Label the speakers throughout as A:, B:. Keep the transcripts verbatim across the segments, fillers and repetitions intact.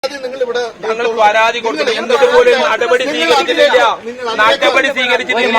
A: ഞങ്ങൾ പരാതി കൊടുത്തു. എന്നിട്ട് പോലും നടപടി സ്വീകരിച്ചിട്ടില്ല. നടപടി സ്വീകരിച്ചിട്ടില്ല.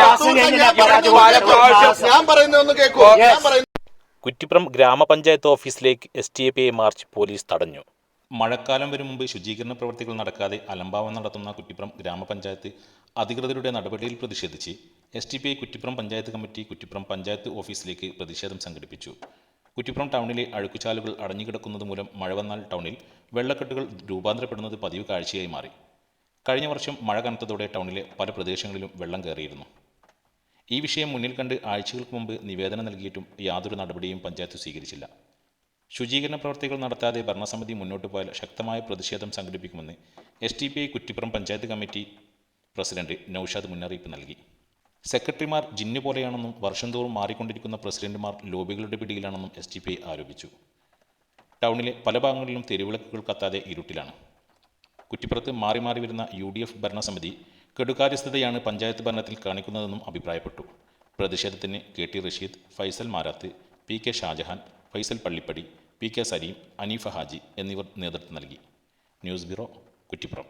B: ഞാൻ പറയുന്നതൊന്ന് കേൾക്കൂ.
C: കുറ്റിപ്പുറം ഗ്രാമപഞ്ചായത്ത് ഓഫീസിലേക്ക് S T A P I march police തടഞ്ഞു. മഴക്കാലം വരും മുമ്പ് ശുചീകരണ പ്രവർത്തികൾ നടക്കാതെ അലംഭാവം നടത്തുന്ന കുറ്റിപ്പുറം ഗ്രാമപഞ്ചായത്ത് അധികൃതരുടെ നടപടിയിൽ പ്രതിഷേധിച്ച് S T P I Kuttippuram panchayat committee Kuttippuram panchayat ഓഫീസിലേക്ക് പ്രതിഷേധം സംഘടിപ്പിച്ചു. കുറ്റിപ്പുറം ടൗണിലെ അഴുക്കുചാലുകൾ അടഞ്ഞുകിടക്കുന്നത് മൂലം മഴ വന്നാൽ ടൗണിൽ വെള്ളക്കെട്ടുകൾ രൂപാന്തരപ്പെടുന്നത് പതിവ് കാഴ്ചയായി മാറി. കഴിഞ്ഞ വർഷം മഴ കനത്തതോടെ ടൗണിലെ പല പ്രദേശങ്ങളിലും വെള്ളം കയറിയിരുന്നു. ഈ വിഷയം മുന്നിൽ കണ്ട് ആഴ്ചകൾക്ക് മുമ്പ് നിവേദനം നൽകിയിട്ടും യാതൊരു നടപടിയും പഞ്ചായത്ത് സ്വീകരിച്ചില്ല. ശുചീകരണ പ്രവർത്തികൾ നടത്താതെ ഭരണസമിതി മുന്നോട്ട് പോയാൽ ശക്തമായ പ്രതിഷേധം സംഘടിപ്പിക്കുമെന്ന് S T P I Kuttippuram panchayat committee president Naushad മുന്നറിയിപ്പ് നൽകി. സെക്രട്ടറിമാർ ജിന്നു പോലെയാണെന്നും വർഷം തോറും മാറിക്കൊണ്ടിരിക്കുന്ന പ്രസിഡന്റുമാർ ലോബികളുടെ പിടിയിലാണെന്നും എസ് ടി പി ഐ ആരോപിച്ചു. ടൗണിലെ പല ഭാഗങ്ങളിലും തെരുവിളക്കുകൾ കത്താതെ ഇരുട്ടിലാണ്. കുറ്റിപ്പുറത്ത് മാറി മാറി വരുന്ന യു ഡി എഫ് ഭരണസമിതി കെടുകാര്യസ്ഥതയാണ് പഞ്ചായത്ത് ഭരണത്തിൽ കാണിക്കുന്നതെന്നും അഭിപ്രായപ്പെട്ടു. പ്രതിഷേധത്തിന് K T Rasheed, Faisal Marath, P K Shahjahan, Faisal Pallippadi, P K Saleem, Aneefa Haji എന്നിവർ നേതൃത്വം നൽകി. News bureau, Kuttippuram.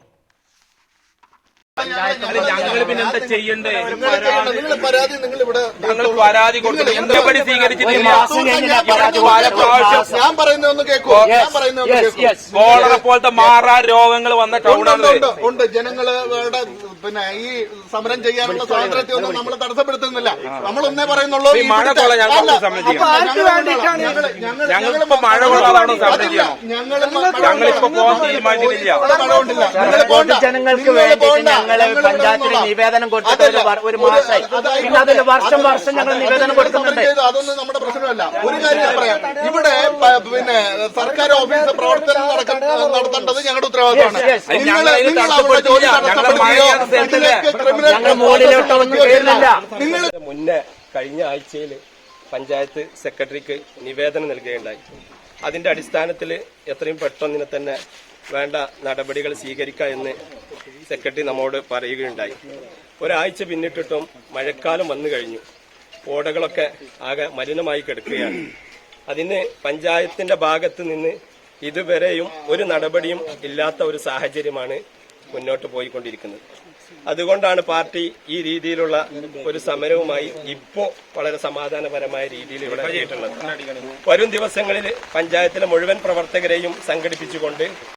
A: ഞങ്ങൾ പിന്നെന്താ ചെയ്യണ്ടേ?
B: നിങ്ങൾ പരാതി നിങ്ങൾ ഇവിടെ
A: ഞങ്ങൾ പരാതി കൊടുത്തു. നടപടി സ്വീകരിച്ചിട്ടില്ല.
B: ഞാൻ പറയുന്നതൊന്ന് കേൾക്കൂ. ഞാൻ പറയുന്നതൊന്ന് കേൾക്കൂ.
A: കോളറ പോലത്തെ മാറാ രോഗങ്ങൾ വന്ന ടൗണാണ്.
B: ഉണ്ട്. ജനങ്ങളുടെ പിന്നെ ഈ സമരം ചെയ്യാനുള്ള സ്വാതന്ത്ര്യത്തെ ഒന്നും നമ്മൾ തടസ്സപ്പെടുത്തുന്നില്ല. നമ്മളൊന്നേ പറയുന്നുള്ളൂ.
A: മഴ കൊള്ളാം ഞങ്ങൾക്ക് സംബന്ധിക്കണം. ഞങ്ങളിപ്പോ മഴ കൊള്ളാതാണോ സംബന്ധിക്കണം? ഞങ്ങളിപ്പോ പോകാൻ തീരുമാനിച്ചിട്ടില്ല.
D: ജനങ്ങൾക്ക് വേണ്ടിയിട്ട് ഞങ്ങള് പഞ്ചായത്തിന് നിവേദനം കൊടുത്തിട്ട് ഒരു മാസമായി. പിന്നെ അതിൽ വർഷം വർഷം ഞങ്ങൾ നിവേദനം കൊടുക്കുന്നുണ്ട്.
B: അതൊന്നും നമ്മുടെ പ്രശ്നമല്ല. ഒരു കാര്യം പറയാം, ഇവിടെ പിന്നെ സർക്കാർ ഓഫീസ് പ്രവർത്തനം നടത്തേണ്ടത് ഞങ്ങളുടെ ഉത്തരവാദിത്തമാണ്.
D: നിങ്ങൾ
E: മുന്നേ കഴിഞ്ഞ ആഴ്ചയിൽ പഞ്ചായത്ത് സെക്രട്ടറിക്ക് നിവേദനം നൽകുകയുണ്ടായി. അതിന്റെ അടിസ്ഥാനത്തിൽ എത്രയും പെട്ടെന്ന് തന്നെ വേണ്ട നടപടികൾ സ്വീകരിക്കുക എന്ന് സെക്രട്ടറി നമ്മോട് പറയുകയുണ്ടായി. ഒരാഴ്ച പിന്നിട്ടിട്ടും മഴക്കാലം വന്നു കഴിഞ്ഞു. ഓടകളൊക്കെ ആകെ മലിനമായി കിടക്കുകയാണ്. അതിന് പഞ്ചായത്തിന്റെ ഭാഗത്ത് നിന്ന് ഇതുവരെയും ഒരു നടപടിയും ഇല്ലാത്ത ഒരു സാഹചര്യമാണ് മുന്നോട്ട് പോയിക്കൊണ്ടിരിക്കുന്നത്. അതുകൊണ്ടാണ് പാർട്ടി ഈ രീതിയിലുള്ള ഒരു സമരവുമായി ഇപ്പോൾ വളരെ സമാധാനപരമായ രീതിയിൽ ഇവിടെ എത്തിയിട്ടുള്ളത്. വരും ദിവസങ്ങളിൽ പഞ്ചായത്തിലെ മുഴുവൻ പ്രവർത്തകരെയും സംഘടിപ്പിച്ചുകൊണ്ട്